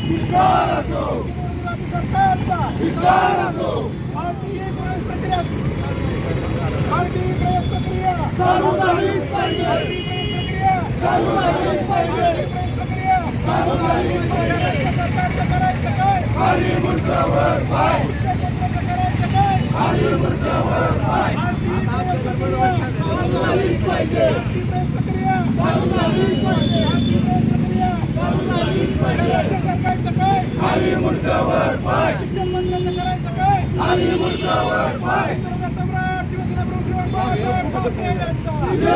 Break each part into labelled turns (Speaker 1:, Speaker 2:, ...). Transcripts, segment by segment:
Speaker 1: धिक्कार असो,
Speaker 2: राज्य सरकारचा
Speaker 1: धिक्कार असो,
Speaker 2: आरटीई प्रवेश प्रक्रिया आरटीई प्रवेश प्रक्रिया
Speaker 1: चालू झालीच पाहिजे,
Speaker 2: आरटीई प्रवेश प्रक्रिया
Speaker 1: चालू झालीच पाहिजे,
Speaker 2: आरटीई प्रवेश प्रक्रिया
Speaker 1: चालू झालीच पाहिजे.
Speaker 2: राज्य सरकारचं करायचं काय?
Speaker 1: खाली मुंडकावर पाय,
Speaker 2: मुख्यमंत्र्यांचं करायचं काय?
Speaker 1: खाली मुंडकावर पाय,
Speaker 2: आरटीई प्रवेश प्रक्रिया
Speaker 1: चालू झालीच पाहिजे,
Speaker 2: आरटीई प्रवेश प्रक्रिया
Speaker 1: चालू झालीच पाहिजे,
Speaker 2: आरटीई प्रवेश प्रक्रिया
Speaker 1: चालू झालीच पाहिजे.
Speaker 2: राज्य सरकारचं काय?
Speaker 1: खाली मुंडकावर पाय,
Speaker 2: शिक्षण मंत्र्यांचं करायचं काय?
Speaker 1: खाली मुंडकावर पाय.
Speaker 2: निसर्ग सम्राट शिवसेना प्रमुख श्रीमान बाळासाहेब ठाकरे यांचा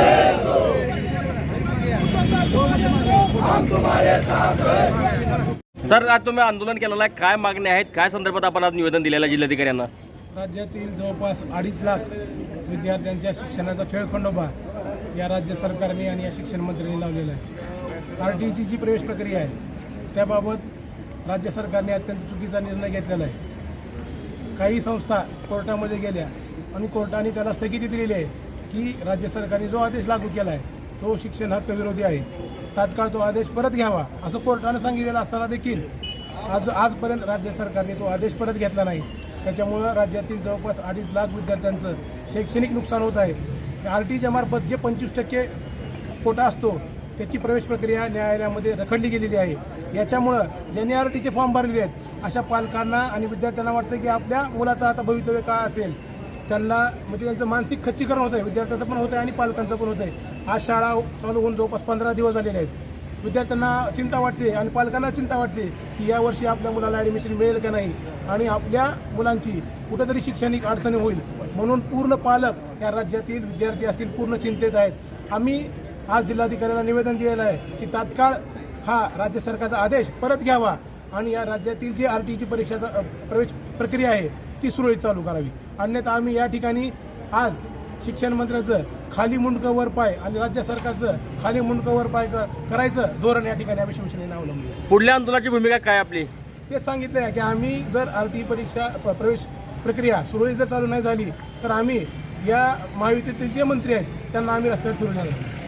Speaker 1: हम तुम्हारे साथ हैं.
Speaker 3: सर, आज तुम्ही आंदोलन केलेलं आहे, काय मागण्या आहेत, काय संदर्भात आपण आज निवेदन दिलेलं आहे जिल्हाधिकाऱ्यांना?
Speaker 2: राज्यातील जवळपास 2.5 लाख विद्यार्थ्यांच्या शिक्षणाचा खेळखंडोबा या राज्य सरकारने आणि या शिक्षण मंत्र्यांनी लावलेला आहे. आरटीईची जी प्रवेश प्रक्रिया आहे त्याबाबत राज्य सरकारने अत्यंत चुकीचा निर्णय घेतलेला आहे. काही संस्था कोर्टामध्ये गेल्या आणि कोर्टाने त्याला स्थगिती दिलेली आहे की राज्य सरकारने जो आदेश लागू केला आहे तो शिक्षण हक्क विरोधी आहे, तात्काळ तो आदेश परत घ्यावा असं कोर्टानं सांगितलेलं असताना देखील आजपर्यंत राज्य सरकारने तो आदेश परत घेतला नाही. त्याच्यामुळं राज्यातील जवळपास 2.5 लाख विद्यार्थ्यांचं शैक्षणिक नुकसान होत आहे. आरटीईच्या मार्फत जे 25% कोटा असतो त्याची प्रवेश प्रक्रिया न्यायालयामध्ये रखडली गेलेली आहे. याच्यामुळं ज्यांनी आरटीचे फॉर्म भरलेले आहेत अशा पालकांना आणि विद्यार्थ्यांना वाटतं की आपल्या मुलाचं आता भवितव्य काय असेल, त्यांना म्हणजे त्यांचं मानसिक खच्चीकरण होतं आहे, विद्यार्थ्याचं पण होतं आहे आणि पालकांचं पण होतं आहे. आज शाळा चालू होऊन जवळपास 15 दिवस झालेले आहेत. विद्यार्थ्यांना चिंता वाटते आणि पालकांना चिंता वाटते की यावर्षी आपल्या मुलाला ॲडमिशन मिळेल का नाही आणि आपल्या मुलांची कुठंतरी शैक्षणिक अडचणी होईल म्हणून पूर्ण पालक या राज्यातील विद्यार्थी असतील पूर्ण चिंतेत आहेत. आम्ही आज जिल्हाधिकाऱ्याला निवेदन दिलेलं आहे की तात्काळ हा राज्य सरकारचा आदेश परत घ्यावा आणि या राज्यातील जी आरटीईची परीक्षाचा प्रवेश प्रक्रिया आहे ती सुरळीत चालू करावी. अन्यथा आम्ही या ठिकाणी आज शिक्षण मंत्र्याचं खाली मुंडकं वर पाय आणि राज्य सरकारचं खाली मुंडकं वर पाय करायचं धोरण या ठिकाणी आम्ही शिवसेनेनं अवलंबलं.
Speaker 3: पुढल्या आंदोलनाची भूमिका काय आपली?
Speaker 2: ते सांगितलं आहे की आम्ही जर आरटीई परीक्षा प्रवेश प्रक्रिया सुरळीत जर चालू नाही झाली तर आम्ही या महायुतीतील जे मंत्री आहेत त्यांना आम्ही रस्त्यावर फिरून येणार.